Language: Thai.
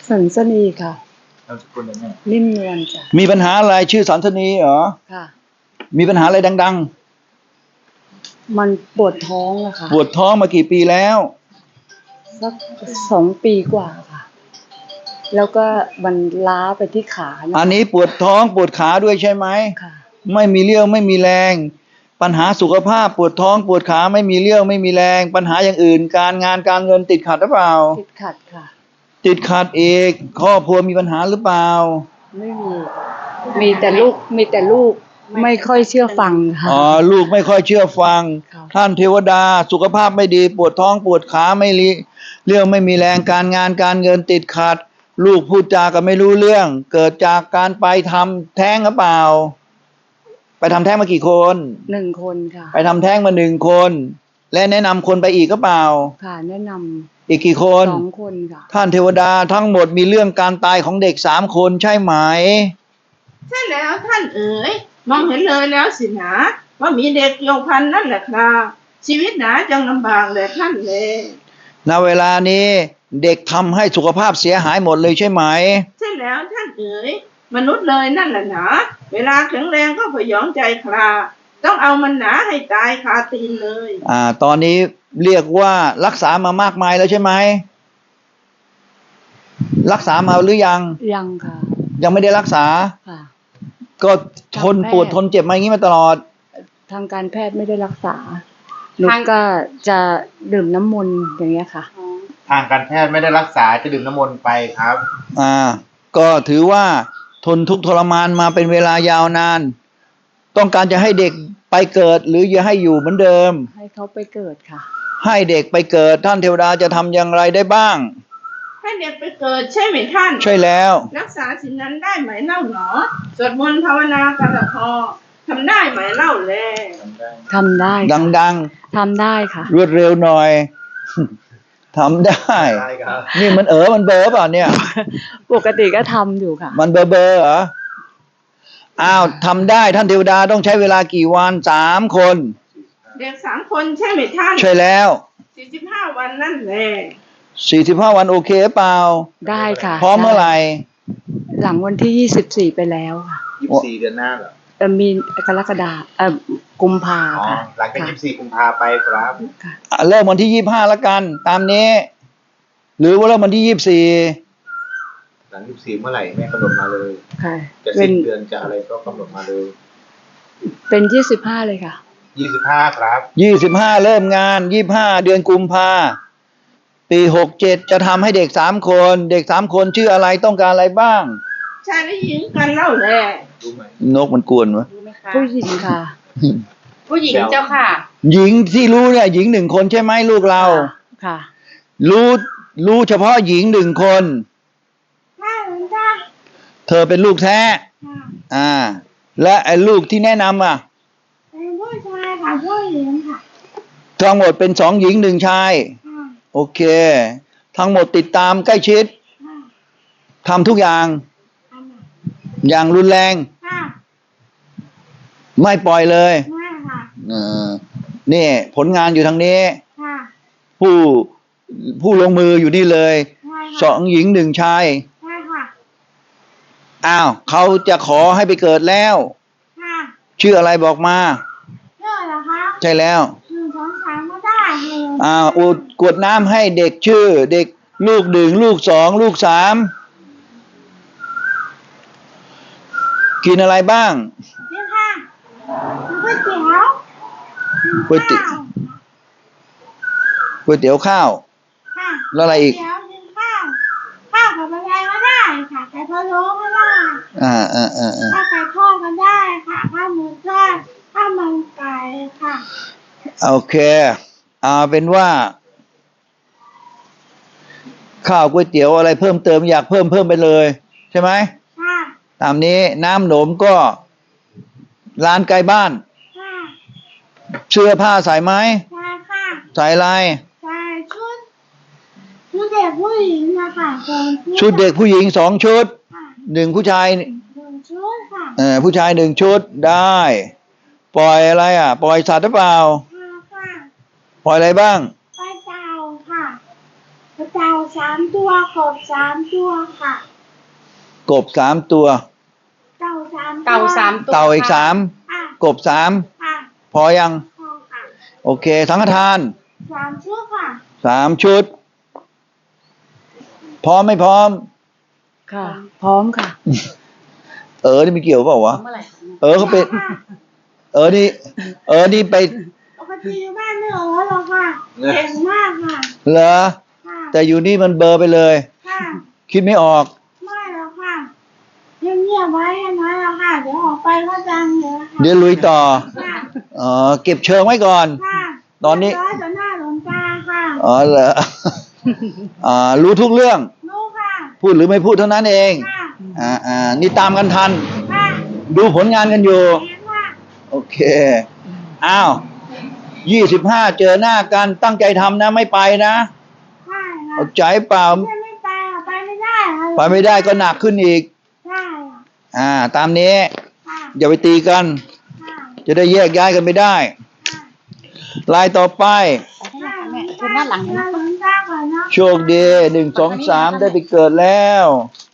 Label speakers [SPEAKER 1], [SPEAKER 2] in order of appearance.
[SPEAKER 1] สันสนีค่ะ
[SPEAKER 2] นามสกุลอะไร
[SPEAKER 1] นิ่มนวลจ้ะ
[SPEAKER 3] มีปัญหาอะไรชื่อสันสนีเหรอ
[SPEAKER 1] ค่ะ
[SPEAKER 3] มีปัญหาอะไรดัง
[SPEAKER 1] มันปวดท้องอะค่ะ
[SPEAKER 3] ๆปวดท้องมากี่ปีแล้ว
[SPEAKER 1] สัก2 ปีกว่าค่ะแล้วก็มันล้าไปที่ขานะ
[SPEAKER 3] อันนี้ปวดท้องปวดขาด้วยใช่ไหม
[SPEAKER 1] ค่ะ
[SPEAKER 3] ไม่มีเรี่ยวไม่มีแรงปัญหาสุขภาพปวดท้องปวดขาไม่มีเรี่ยวไม่มีแรงปัญหาอย่างอื่นการงานการเงินติดขัดหรือเปล่า
[SPEAKER 1] ติดขัดค่ะ
[SPEAKER 3] ติดขัดอีกครอบครัวมีปัญหาหรือเปล่า
[SPEAKER 1] ไม่มีแต่ลูกไม่ค่อยเชื่อฟังค่ะ
[SPEAKER 3] อ๋อลูกไม่ค่อยเชื่อฟังท่านเทวดาสุขภาพไม่ดีปวดท้องปวดขาไม่เรี่ยวไม่มีแรงการงานการเงินติดขัดลูกพูดจาก็ไม่รู้เรื่องเกิดจากการไปทำแท้งหรือเปล่าไปทำแท้งมากี่คน
[SPEAKER 1] 1 คนค่ะ
[SPEAKER 3] ไปทำแท้งมา1 คนและแนะนำคนไปอีกก็เปล่า
[SPEAKER 1] ค่ะแนะนำ
[SPEAKER 3] อีกกี่คน
[SPEAKER 1] 2 คนค่ะ
[SPEAKER 3] ท่านเทวดาทั้งหมดมีเรื่องการตายของเด็ก3 คนใช่ไหม
[SPEAKER 4] ใช่แล้วท่านเอ๋ยมองเห็นเลยแล้วสินะว่ามีเด็กเกี่ยวพันนั่นแหละครับชีวิตหนาจังลำบากเลยท่านเลย
[SPEAKER 3] ณเวลานี้เด็กทำให้สุขภาพเสียหายหมดเลยใช่ไหม
[SPEAKER 4] ใช่แล้วท่านเอ๋ยมนุษย์เลยนั่นแหละนะเวลาแข็งแรงก็พยองใจคราต้องเอามันหนาให้ตายคาตีนเลย
[SPEAKER 3] ตอนนี้เรียกว่ารักษามามากมายแล้วใช่ไหมรักษามาหรือยัง
[SPEAKER 1] ค่ะ
[SPEAKER 3] ยังไม่ได้รักษา
[SPEAKER 1] ค่ะ
[SPEAKER 3] ก็ทนปวดทนเจ็บมาอย่างนี้มาตลอด
[SPEAKER 1] ทางการแพทย์ไม่ได้รักษาหนูก็จะดื่มน้ำมนต์อย่างเงี้ยค่ะ
[SPEAKER 2] ทางการแพทย์ไม่ได้รักษาจะดื่มน้ำมนต์ไปครับ
[SPEAKER 3] ก็ถือว่าทนทุกข์ทรมานมาเป็นเวลายาวนานต้องการจะให้เด็กไปเกิดหรือจะให้อยู่เหมือนเดิม
[SPEAKER 1] ให้เขาไปเกิดค่ะ
[SPEAKER 3] ให้เด็กไปเกิดท่านเทวดาจะทำอย่างไรได้บ้าง
[SPEAKER 4] ให้เด็กไปเกิดใช่ไหมท่าน
[SPEAKER 3] ใช่แล้ว
[SPEAKER 4] รักษาสิ่งนั้นได้ไหมเล่าหนอสวดมนต์ภาวนากันละพอทำได้ไหมเล่าแล
[SPEAKER 1] ทำได้
[SPEAKER 3] ดัง
[SPEAKER 1] ทำได้ค่ะ
[SPEAKER 3] รวดเร็วหน่อยทำได้นี่มันมันเบอเปล่าเนี่ย
[SPEAKER 1] ปกติก็ทำอยู่ค่ะ
[SPEAKER 3] มันเบอเหรอทำได้ท่านเทวดาต้องใช้เวลากี่วัน3 คน
[SPEAKER 4] เด็ก3 คนใช่ไหมท่าน
[SPEAKER 3] ใช่แล้ว
[SPEAKER 4] 45 วันนั่นแหละ
[SPEAKER 3] 45 วันโอเคเปล่า
[SPEAKER 1] ได้ค่ะ
[SPEAKER 3] พร้อมเมื่อไหร่
[SPEAKER 1] หลังวันที่24ไปแล้วค่ะ
[SPEAKER 2] 24 เดือนหน้าเหรอ
[SPEAKER 1] มีกรกฎากุมภาค่ะ
[SPEAKER 2] หลังจาก24 กุมภาไปครับ
[SPEAKER 3] เริ่มวันที่25แล้วกันตามนี้หรือว่าเริ่มวันที่24
[SPEAKER 2] หลัง24เมื่อไหร่แม่กำหนดมาเลย
[SPEAKER 1] ค่ะ
[SPEAKER 2] จะสิ้นเดือนจะอะไรก็กำหนดมาเลย
[SPEAKER 1] เป็น25เลยค่ะ
[SPEAKER 2] 25ครับ
[SPEAKER 3] 25เริ่มงาน25เดือนกุมภาปี67จะทำให้เด็ก3 คนเด็ก3 คนชื่ออะไรต้องการอะไรบ้าง
[SPEAKER 4] ชายและหญิงกันเล่าแล
[SPEAKER 2] รู้ไหม
[SPEAKER 3] นกมันกวนวะ
[SPEAKER 1] ผู้หญิงค่ะ
[SPEAKER 4] ผู้หญิงเจ้าค่ะ
[SPEAKER 3] หญิงที่รู้เนี่ยหญิง1 คนใช่ไหมลูกเรา
[SPEAKER 1] ค่ะ
[SPEAKER 3] รู้เฉพาะหญิง1 คนเธอเป็นลูกแท้และไอ้ลูกที่แนะนำ
[SPEAKER 4] เป็นผู้ชายค่ะผู้หญิงค่ะ
[SPEAKER 3] ทั้งหมดเป็น2 หญิง1 ชายโอเคทั้งหมดติดตามใกล้ชิดทำทุกอย่างอย่างรุนแรงไม่ปล่อยเลยนี่ผลงานอยู่ทางนี้ผู้ลงมืออยู่นี่เลย2 หญิง1 ชายเขาจะขอให้ไปเกิดแล้วชื่ออะไรบอกมา
[SPEAKER 4] ชื่ออะไรคะ
[SPEAKER 3] ใช่แล้ว
[SPEAKER 4] 1 2 3ไม่ได้
[SPEAKER 3] กวดน้ำให้เด็กชื่อเด็กลูก1ลูก2ลูก3กินอะไรบ้าง
[SPEAKER 4] นี่ค่ะก๋วยเ
[SPEAKER 3] ตี๋ยวข้าวแล้วอะไรอีก
[SPEAKER 4] ข้าวกับอะไรก็ได้ค่ะไก่พะโล้ก็ได้ข้าวไก่ทอดก็ได้ค่ะข้าวหมูทอดข้าวมันไก่ค่ะ
[SPEAKER 3] โอเคเป็นว่าข้าวก๋วยเตี๋ยวอะไรเพิ่มเติมอยากเพิ่มไปเลยใช่ไหมตามนี้น้ำหนมก็ร้านใกล้บ้านเสื้อผ้าใส่ไหมใส่อะไร
[SPEAKER 4] ชุดเด็กผู้หญิงนะคะ
[SPEAKER 3] ชุดเด็กผู้หญิง2 ชุด1ผู้ชาย1 ชุดค่ะผู้ชาย1 ชุดได้ปล่อยอะไรปล่อยสัตว์หรือเปล่าปล่อยอะไรบ้าง
[SPEAKER 4] ปล่อยเต่าค่ะเต่า3 ตัวกบ3 ตัวค่ะ
[SPEAKER 3] กบ3 ตัว
[SPEAKER 4] เต่า3
[SPEAKER 1] เต่า3 ตัว
[SPEAKER 3] เต่าอีก
[SPEAKER 1] ค่ะ
[SPEAKER 4] ค่ะ
[SPEAKER 3] 3 กบ
[SPEAKER 4] ค่ะ
[SPEAKER 3] 3 พอยัง
[SPEAKER 4] พอค่ะ
[SPEAKER 3] โอเค สังฆทาน
[SPEAKER 4] 3 ชุดค่ะ
[SPEAKER 3] 3 ชุด พร้อมไม่พร้อม
[SPEAKER 1] ค่ะ พร้อมค่ะ
[SPEAKER 3] นี่มีเกี่ยวเปล่าวะ
[SPEAKER 1] เมื่อไหร่
[SPEAKER 3] เขาเป็น
[SPEAKER 4] ค่ะ
[SPEAKER 3] นี่ไป
[SPEAKER 4] ปกติอยู่บ้านไม่ออกหรอกค่ะเก่งมากค่ะ
[SPEAKER 3] เหรอ
[SPEAKER 4] ค่ะ
[SPEAKER 3] แต่อยู่นี่มันเบลอร์ไปเลย
[SPEAKER 4] ค่ะ
[SPEAKER 3] คิดไม่ออก
[SPEAKER 4] ไม่หรอกค่ะเงียบๆไว้ให้น้อยหรอกค่ะเดี๋ยวออกไปก็ดังเลยค่ะ
[SPEAKER 3] เดี๋ยวลุยต่อ
[SPEAKER 4] ค่ะ
[SPEAKER 3] เก็บเชิงไว้ก่อน
[SPEAKER 4] ค่ะ
[SPEAKER 3] ตอนนี้
[SPEAKER 4] เรียบร้อยต่อหน้าหลวงตาค่ะ
[SPEAKER 3] เหรอ รู้ทุกเรื่อง
[SPEAKER 4] รู้ค่ะ
[SPEAKER 3] พูดหรือไม่พูดเท่านั้นเอง
[SPEAKER 4] ค่ะ
[SPEAKER 3] นี่ตามกันทัน
[SPEAKER 4] ค่ะ
[SPEAKER 3] ดูผลงานกันอยู่
[SPEAKER 4] เห็นว่า
[SPEAKER 3] โอเค อ้าว 25 เจอหน้ากันตั้งใจทำนะไม่ไปนะ
[SPEAKER 4] ใช่ค่ะ
[SPEAKER 3] เอาใจเปล่า
[SPEAKER 4] ไม่ไปอ่ะไปไม่ได้ค่ะ
[SPEAKER 3] ไปไม่ได้ก็หนักขึ้นอีก
[SPEAKER 4] ใช่ค่ะ
[SPEAKER 3] ตามนี้
[SPEAKER 4] ค่ะ
[SPEAKER 3] อย่าไปตีกัน
[SPEAKER 4] ค่ะ
[SPEAKER 3] จะได้แยกย้ายกันไม่ได้
[SPEAKER 4] ค่ะ
[SPEAKER 3] ลายต่อไป
[SPEAKER 4] ค่ะแม่เชิญด้านหลังนะหลวงตาก่อนเนาะ
[SPEAKER 3] โชคดี1 2 3 ได้ไปเกิดแล้ว
[SPEAKER 4] ค